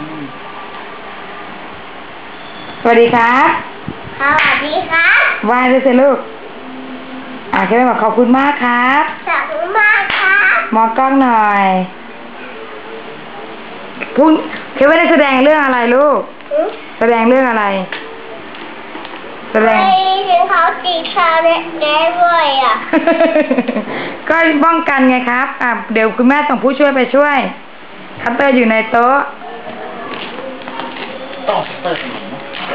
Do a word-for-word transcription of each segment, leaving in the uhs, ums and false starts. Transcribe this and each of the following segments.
สวัสดีครับสวัสดีครับวายเลยสิลูกอ่ะแค่บอกขอบคุณมากครับขอบคุณมากครับมองกล้องหน่อยพุ่งแค่ว่าได้แสดงเรื่องอะไรลูกแสดงเรื่องอะไรแสดงไม่ถึงเขาตีชาวเน็ตแน่ด้วยอ่ะก็ป้องกันไงครับอ่ะเดี๋ยวคุณแม่ส่งผู้ช่วยไปช่วยคัตเตอร์อยู่ในโต๊ะต้องคัตเตอร์ขนม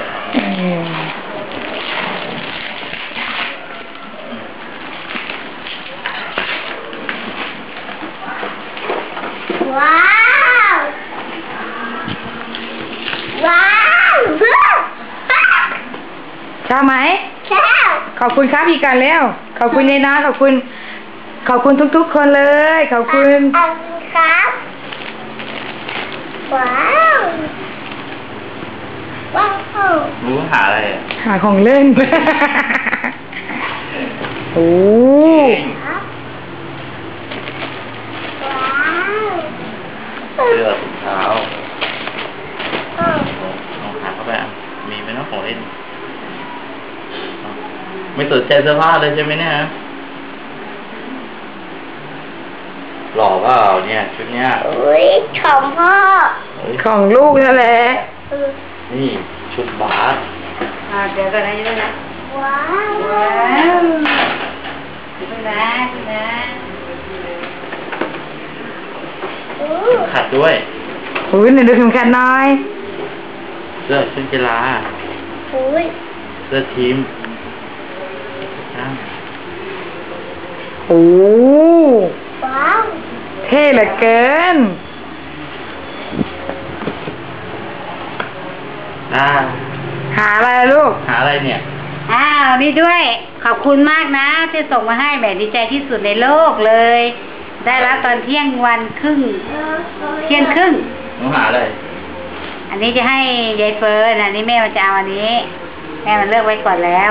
ว้าวว้าวชอบไหมชอบขอบคุณครับอีกกันแล้วขอบคุณยายนะขอบคุณขอบคุณทุกๆคนเลยขอบคุณขอบคุณครับว้าวว้าวรู้หาอะไรหาของเล่นโอ้เสื้อถุงเท้ารองเท้าเข้าไปอ่ะมีไหมน้องของเล่นไม่สนใจเสื้อผ้าเลยใช่ไหมเนี่ยหล่อเปล่าเนี่ยชุดเนี้ยอุ้ยของพ่อของลูกนั่นแหละนี่ชุดบาสอ่าเดี๋ยวก่อนนะเดี๋ยวนะว้าวว้าวดูนะดูนะขัดด้วยอุ้ยหนึ่งดูเข็มขัดน้อยเสื้อชุดกีฬาอุ้ยเสื้อทีมโอ้ว้าวเท่เหลือเกินอ่าหาอะไรลูกหาอะไรเนี่ยอ้าวนี่ด้วยขอบคุณมากนะที่ส่งมาให้แบบดีใจที่สุดในโลกเลยได้รับตอนเที่ยงวันครึ่งเที่ยงครึ่งหนูหาอะไรอันนี้จะให้ยายเฟิร์นอันนี้แม่มันจะเอาอันนี้แม่มันเลือกไว้ก่อนแล้ว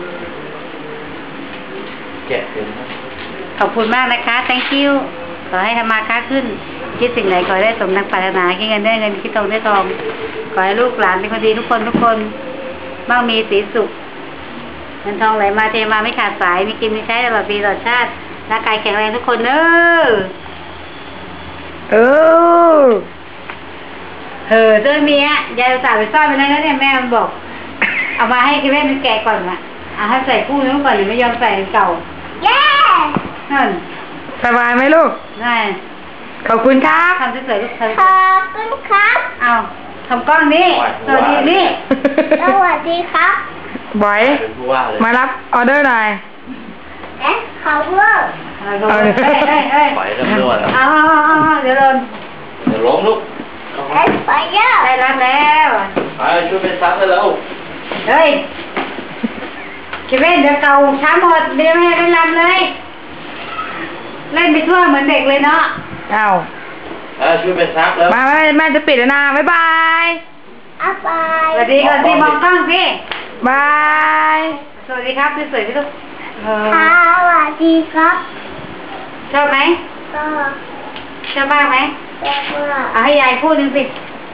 แกะเป็นขอบคุณมากนะคะ thank you ขอให้ทำมาค้าขึ้นคิดสิ่งไหนขอให้ได้สมดังปรารถนาคิดเงินได้เงินคิดทองได้ทองขอให้ลูกหลานเป็นคนดีทุกคนทุกคนมั่งมีสีสุขเงินทองไหลมาเทมาไม่ขาดสายมีกินมีใช้ตลอดปีตลอดชาติร่างกายแข็งแรงทุกคนเนอะเออเออเจ้าเมียยายสาวไปซ่อนไปแล้วเนี่ยแม่มันบอกเอามาให้แม่มันแกะก่อนละเอาให้ใส่คู่นู้นก่อนหรือไม่ยอมใส่เก่าเย้นั่นสบายไหมลูกได้ขอบคุณครับทำสวยๆลูกทำขอบคุณครับเอาทำกล้องนี้สวัสดีนี่สวัสดีครับบอยมารับออเดอร์หน่อยเอ๊ะเขาเพิ่มเฮ้ยเฮ้ยเฮ้ยปล่อยเริ่มนวดแล้วเอาเอาเอาเดี๋ยวโดนเดี๋ยวล้มลูกเอ๊ะไปเยอะได้รับแล้วไปช่วยเป็นซักให้แล้วเฮ้ยคิดเล่นเดี๋ยวเก่าช้าหมดเดี๋ยวไม่ได้รับเลยเล่นไปทั่วเหมือนเด็กเลยเนาะเอาเออช่วยเป็นซักแล้วมาแม่แม่จะปิดแล้วนะบ๊ายบายบ๊ายบายสวัสดีก่อนสิมองกล้องสิบายสวัสดีครับสวยๆพี่ลูกสวัสดีครับชอบไหมชอบชอบมากไหมชอบมากเอาให้ยายพูดหนึ่งสิ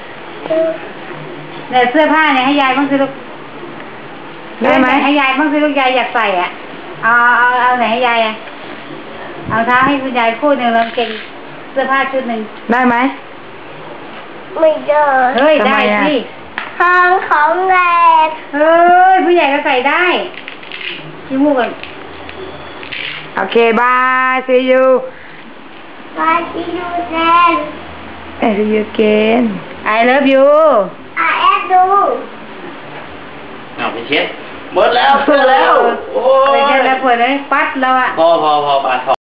เนี่ยเสื้อผ้าเนี่ยให้ยายบ้างสิลูกได้ไหมให้ยายบ้างสิลูกยายอยากใส่อ่ะเอาเอาเอาไหนให้ยายอ่ะเอาเท้าให้คุณยายพูดหนึ่งแล้วเก่งเสื้อผ้าชุดหนึ่งได้ไหมไม่ได้เฮ้ยได้สิห้องของเด็กเฮ้ยผู้ใหญ่ก็ใส่ได้ชิมูกันโอเคบาย see you bye see you then I see you again I love you I love you เอาไปเช็ดหมดแล้วเสร็จแล้วโอ้ยเช็ดแล้วปวดเลยปัดแล้วอ่ะพอพอพอปา